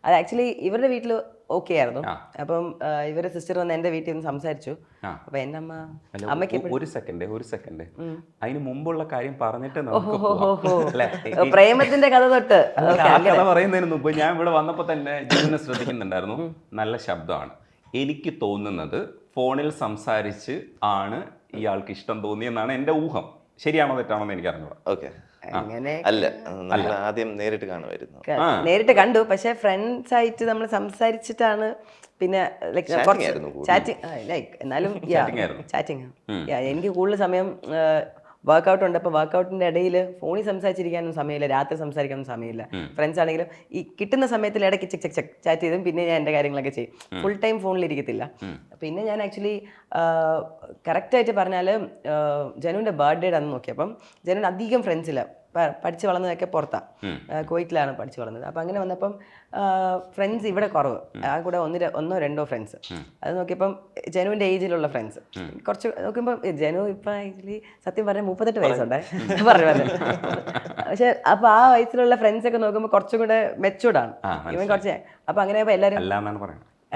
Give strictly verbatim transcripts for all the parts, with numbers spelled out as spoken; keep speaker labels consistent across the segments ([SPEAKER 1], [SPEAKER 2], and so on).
[SPEAKER 1] അത് ആക്ച്വലി ഇവരുടെ വീട്ടിൽ ഓക്കെ ആയിരുന്നു. അപ്പം ഇവരുടെ സിസ്റ്റർ വന്ന് എൻ്റെ വീട്ടിൽ നിന്ന് സംസാരിച്ചു. അപ്പൊ എൻ്റെ അമ്മ അമ്മയ്ക്ക്
[SPEAKER 2] ഒരു സെക്കൻഡ് ഒരു സെക്കൻഡ് അതിന് മുമ്പുള്ള കാര്യം പറഞ്ഞിട്ട്
[SPEAKER 1] പ്രേമത്തിന്റെ കഥ തൊട്ട്
[SPEAKER 2] കഥ പറയുന്നതിന് മുമ്പ് ഞാൻ ഇവിടെ വന്നപ്പോൾ തന്നെ ജീവനെ ശ്രദ്ധിക്കുന്നുണ്ടായിരുന്നു. നല്ല ശബ്ദമാണ്. എനിക്ക് തോന്നുന്നത് ഫോണിൽ സംസാരിച്ച് ആണ് ഇയാൾക്ക് ഇഷ്ടം തോന്നിയെന്നാണ് എൻ്റെ ഊഹം. ശരിയാണോ തെറ്റാണോ എന്ന് എനിക്ക് അറിഞ്ഞൂടാ.
[SPEAKER 3] ഓക്കെ, അല്ല, നമ്മൾ ആദ്യം നേരിട്ട് കാണുമായിരുന്നു.
[SPEAKER 1] നേരിട്ട് കണ്ടു, പക്ഷെ ഫ്രണ്ട്സ് ആയിട്ട് നമ്മൾ സംസാരിച്ചിട്ടാണ് പിന്നെ ചാറ്റിംഗ് ലൈക്ക് എന്നാലും ചാറ്റിംഗ്. എനിക്ക് കൂടുതൽ സമയം വർക്കൗട്ട് ഉണ്ട്. അപ്പോൾ വർക്കൗട്ടിൻ്റെ ഇടയിൽ ഫോണിൽ സംസാരിച്ചിരിക്കാനും സമയമില്ല, രാത്രി സംസാരിക്കാനും സമയമില്ല. ഫ്രണ്ട്സ് ആണെങ്കിലും ഈ കിട്ടുന്ന സമയത്തിൽ ഇടയ്ക്ക് ചെക്ക് ചെക്ക് ചെക്ക് ചാറ്റ് ചെയ്തും പിന്നെ ഞാൻ എൻ്റെ കാര്യങ്ങളൊക്കെ ചെയ്യും. ഫുൾ ടൈം ഫോണിലിരിക്കത്തില്ല. പിന്നെ ഞാൻ ആക്ച്വലി കറക്റ്റായിട്ട് പറഞ്ഞാൽ ജനുവിൻ്റെ ബർത്ത്ഡേയുടെ അന്ന് നോക്കിയപ്പം ജനുവിന് അധികം ഫ്രണ്ട്സില്ല. പഠിച്ച് വളർന്നതൊക്കെ പുറത്താണ്, കുവൈറ്റിലാണ് പഠിച്ച് വളർന്നത്. അപ്പം അങ്ങനെ വന്നപ്പം ഫ്രണ്ട്സ് ഇവിടെ കുറവ്. ആ കൂടെ ഒന്ന് ഒന്നോ രണ്ടോ ഫ്രണ്ട്സ്. അത് നോക്കിയപ്പം ജനുവിൻ്റെ ഏജിലുള്ള ഫ്രണ്ട്സ് കുറച്ച് നോക്കുമ്പോൾ ജനു ഇപ്പം ആക്ച്വലി സത്യം പറഞ്ഞാൽ മുപ്പത്തെട്ട് വയസ്സുണ്ടേ പറഞ്ഞു പറഞ്ഞു. പക്ഷെ അപ്പം ആ വയസ്സിലുള്ള ഫ്രണ്ട്സ് ഒക്കെ നോക്കുമ്പോൾ കുറച്ചും കൂടെ മെച്ചൂർഡാണ് ഇവൻ കുറച്ച്. അപ്പം അങ്ങനെ എല്ലാവരും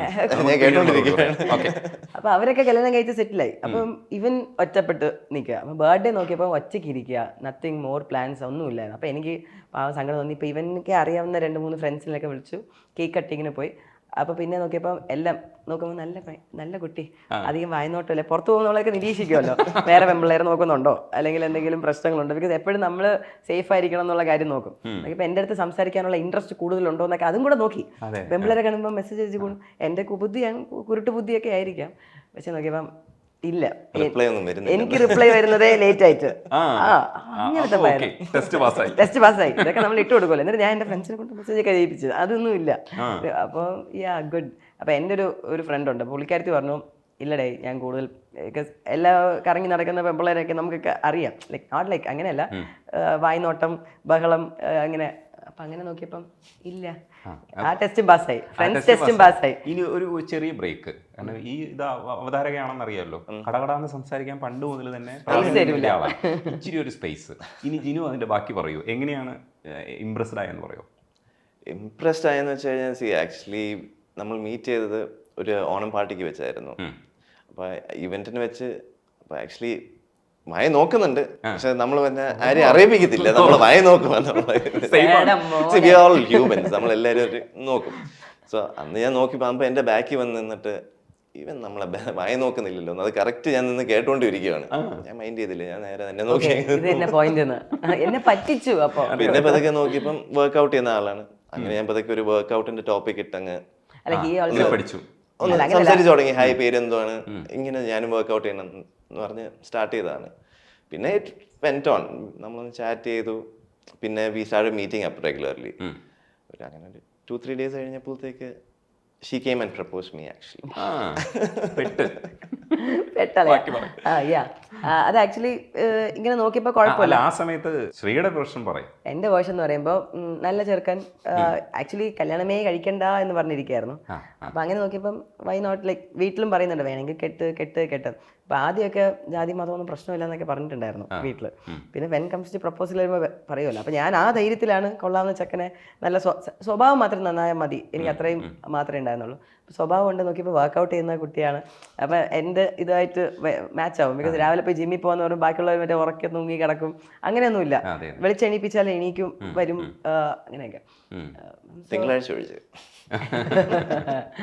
[SPEAKER 1] അപ്പൊ അവരൊക്കെ കല്യാണം കഴിച്ച് സെറ്റിലായി. അപ്പം ഇവൻ ഒറ്റപ്പെട്ട് നിൽക്കുക. അപ്പം ബർത്ത്ഡേ നോക്കിയപ്പോൾ ഒറ്റയ്ക്ക് ഇരിക്കുക, നത്തിങ് മോർ പ്ലാൻസ് ഒന്നുമില്ലായിരുന്നു. അപ്പം എനിക്ക് പാവം സങ്കടം തോന്നി. ഇപ്പം ഇവനൊക്കെ അറിയാവുന്ന രണ്ട് മൂന്ന് ഫ്രണ്ട്സിനൊക്കെ വിളിച്ചു, കേക്ക് കട്ടിങ്ങിന് പോയി. അപ്പോൾ പിന്നെ നോക്കിയപ്പോൾ എല്ലാം നോക്കുമ്പോൾ നല്ല നല്ല കുട്ടി, അധികം വായനോട്ടമല്ലേ, പുറത്ത് പോകുന്നവളൊക്കെ നിരീക്ഷിക്കുമല്ലോ വേറെ പെമ്പിള്ളേരെ നോക്കുന്നുണ്ടോ അല്ലെങ്കിൽ എന്തെങ്കിലും പ്രശ്നങ്ങളുണ്ടോ. ബിക്കോസ് എപ്പോഴും നമ്മൾ സേഫ് ആയിരിക്കണം എന്നുള്ള കാര്യം നോക്കും. ഇപ്പം എൻ്റെ അടുത്ത് സംസാരിക്കാനുള്ള ഇൻട്രസ്റ്റ് കൂടുതലുണ്ടോ എന്നൊക്കെ അതും കൂടെ നോക്കി. പെമ്പിള്ളേരെ കാണുമ്പോൾ മെസ്സേജ് അയച്ചു കൂടും. എൻ്റെ ബുദ്ധി കുരുട്ട് ബുദ്ധിയൊക്കെ ആയിരിക്കാം. പക്ഷെ നോക്കിയപ്പം ഇല്ല, എനിക്ക് റിപ്ലൈ വരുന്നതേ ലേറ്റ് ആയിട്ട്. അങ്ങനത്തെ ടെസ്റ്റ് പാസ്സായി ഇതൊക്കെ നമ്മൾ ഇട്ട് കൊടുക്കുമല്ലോ. എന്നിട്ട് ഞാൻ എൻ്റെ ഫ്രണ്ട്സിനെ കൊണ്ട് മെസ്സേജ് ഒക്കെ ചെയ്യിപ്പിച്ചത് അതൊന്നും ഇല്ല. അപ്പോൾ യാ ഗുഡ്. അപ്പോൾ എൻ്റെ ഒരു ഒരു ഫ്രണ്ട് ഉണ്ട്, പുള്ളിക്കാരത്തി പറഞ്ഞു ഇല്ലടേ ഞാൻ കൂടുതൽ എല്ലാ കറങ്ങി നടക്കുന്ന പെമ്പിള്ളേരൊക്കെ നമുക്കൊക്കെ അറിയാം, ലൈക്ക് നോട്ട് ലൈക്ക് അങ്ങനെയല്ല, വായ്നോട്ടം ബഹളം അങ്ങനെ. അപ്പം അങ്ങനെ നോക്കിയപ്പം ഇല്ല, ആ ടെസ്റ്റും പാസ്സായി, ഫ്രണ്ട്സ് ടെസ്റ്റും പാസ്സായി.
[SPEAKER 2] ഇനി ഒരു ചെറിയ ബ്രേക്ക്, കാരണം ഈ ഇത് അവതാരകയാണെന്ന് അറിയാലോ, കടകടാന്ന് സംസാരിക്കാൻ പണ്ട് മുതൽ തന്നെ ഇച്ചിരി ഒരു സ്പേസ്. ഇനി ജിനു അതിന്റെ ബാക്കി പറയൂ, എങ്ങനെയാണ് ഇംപ്രസ്ഡ് ആയെന്ന് പറയോ?
[SPEAKER 3] ഇംപ്രസ്ഡ് ആയെന്ന് വെച്ച് കഴിഞ്ഞാൽ സി ആക്ച്വലി നമ്മൾ മീറ്റ് ചെയ്തത് ഒരു ഓണം പാർട്ടിക്ക് വെച്ചായിരുന്നു. അപ്പോൾ ഇവന്റിന് വെച്ച് അപ്പോൾ ആക്ച്വലി വയ നോക്കുന്നുണ്ട്, പക്ഷെ നമ്മൾ പിന്നെ ആരെയും അറിയിപ്പിക്കത്തില്ല, നമ്മൾ വയ നോക്കും. ഹ്യൂമൻസ് നമ്മളെല്ലാവരും നോക്കും. സോ അന്ന് ഞാൻ നോക്കി പോകുമ്പോൾ എൻ്റെ ബാക്കിൽ വന്ന് നിന്നിട്ട് ഇവൻ നമ്മളെ വയ നോക്കുന്നില്ലല്ലോ, അത് കറക്റ്റ് ഞാൻ നിന്ന് കേട്ടോണ്ടിരിക്കുകയാണ്. ഞാൻ മൈൻഡ് ചെയ്തില്ല, ഞാൻ നേരെ തന്നെ നോക്കി. പിന്നെ പതൊക്കെ നോക്കിയപ്പം വർക്ക്ഔട്ട് ചെയ്യുന്ന ആളാണ്. അങ്ങനെ ഞാൻ പതൊക്കെ ഒരു വർക്ക്ഔട്ടിന്റെ ടോപ്പിക് ഇട്ടങ്ങ്
[SPEAKER 2] പഠിച്ചു,
[SPEAKER 3] സംസാരിച്ചു തുടങ്ങി. ഹായ്, പേര് എന്തുവാണ്, ഇങ്ങനെ ഞാനും വർക്ക്ഔട്ട് ചെയ്യണം എന്ന് പറഞ്ഞ് സ്റ്റാർട്ട് ചെയ്തതാണ്. പിന്നെ ഇറ്റ് വെന്റ് ഓൺ, നമ്മളൊന്ന് ചാറ്റ് ചെയ്തു. പിന്നെ we started meeting up regularly. അങ്ങനെ ഒരു ടു ത്രീ ഡേയ്സ് കഴിഞ്ഞപ്പോഴത്തേക്ക് she came and proposed me actually.
[SPEAKER 1] അത് ആക്ച്വലി ഇങ്ങനെ നോക്കിയപ്പോൾ കുഴപ്പമില്ല.
[SPEAKER 2] ആ സമയത്ത് ശ്രീയുടെ പ്രശ്നം പറയും.
[SPEAKER 1] എൻ്റെ വേർഷൻ എന്ന് പറയുമ്പോൾ നല്ല ചെറുക്കൻ, ആക്ച്വലി കല്യാണമേ കഴിക്കണ്ട എന്ന് പറഞ്ഞിരിക്കുകയായിരുന്നു. അപ്പം അങ്ങനെ നോക്കിയപ്പം വൈ നോട്ട്, ലൈക്ക് വീട്ടിലും പറയുന്നുണ്ട് വേണമെങ്കിൽ കെട്ട് കെട്ട് കെട്ട്. അപ്പം ആദ്യമൊക്കെ ജാതി മതമൊന്നും പ്രശ്നമില്ല എന്നൊക്കെ പറഞ്ഞിട്ടുണ്ടായിരുന്നു വീട്ടിൽ. പിന്നെ വെൻ കംസ് ടു പ്രപ്പോസൽ വരുമ്പോൾ പറയുമല്ലോ. അപ്പം ഞാൻ ആ ധൈര്യത്തിലാണ് കൊള്ളാവുന്ന ചെക്കനെ, നല്ല സ്വഭാവം മാത്രം നന്നായാൽ മതി, എനിക്ക് അത്രയും മാത്രമേ ഉണ്ടായിരുന്നുള്ളൂ. സ്വഭാവം കൊണ്ട് നോക്കിയപ്പോൾ വർക്കൗട്ട് ചെയ്യുന്ന കുട്ടിയാണ്. അപ്പം എൻ്റെ ഇതായിട്ട് മാച്ച് ആവും. ബിക്കോസ് രാവിലെ പോയി ജിമ്മിൽ പോകുന്ന പറഞ്ഞാൽ ബാക്കിയുള്ളവർ മറ്റേ ഉറക്കെ തൂങ്ങി കിടക്കും, അങ്ങനെയൊന്നുമില്ല. വിളിച്ചെണീപ്പിച്ചാൽ എണീക്കും, വരും, അങ്ങനെയൊക്കെ.
[SPEAKER 3] തിങ്കളാഴ്ച